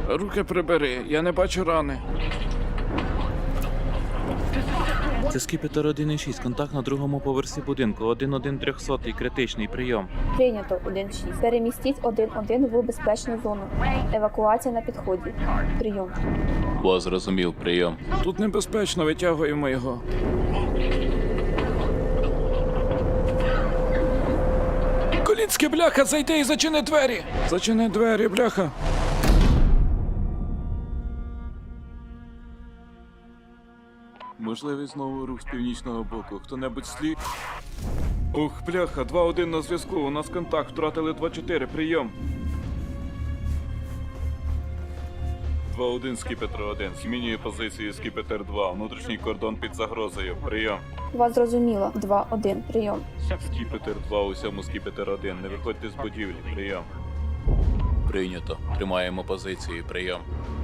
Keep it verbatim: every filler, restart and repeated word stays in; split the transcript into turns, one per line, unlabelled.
Руки прибери, я не бачу рани.
Це Скіпетр один шість, контакт на другому поверсі будинку, один один трьохсот, критичний прийом.
Прийнято один шість. Перемістіть один один в безпечну зону. Евакуація на підході. Прийом.
Вас зрозумів, прийом.
Тут небезпечно, витягуємо його. Колінське, бляха, зайди і зачини двері! Зачини двері, бляха! Можливий знову рух з північного боку. Хто-небудь слід? Ух, бляха, два один на зв'язку. У нас контакт. Втратили два чотири. Прийом. два один, Скіпетр один. Змінює позицію Скіпетр два. Внутрішній кордон під загрозою. Прийом.
Вас зрозуміло. два один. Прийом.
Скіпетр два, усьому Скіпетр один. Не виходьте з будівлі. Прийом.
Прийнято. Тримаємо позицію, прийом.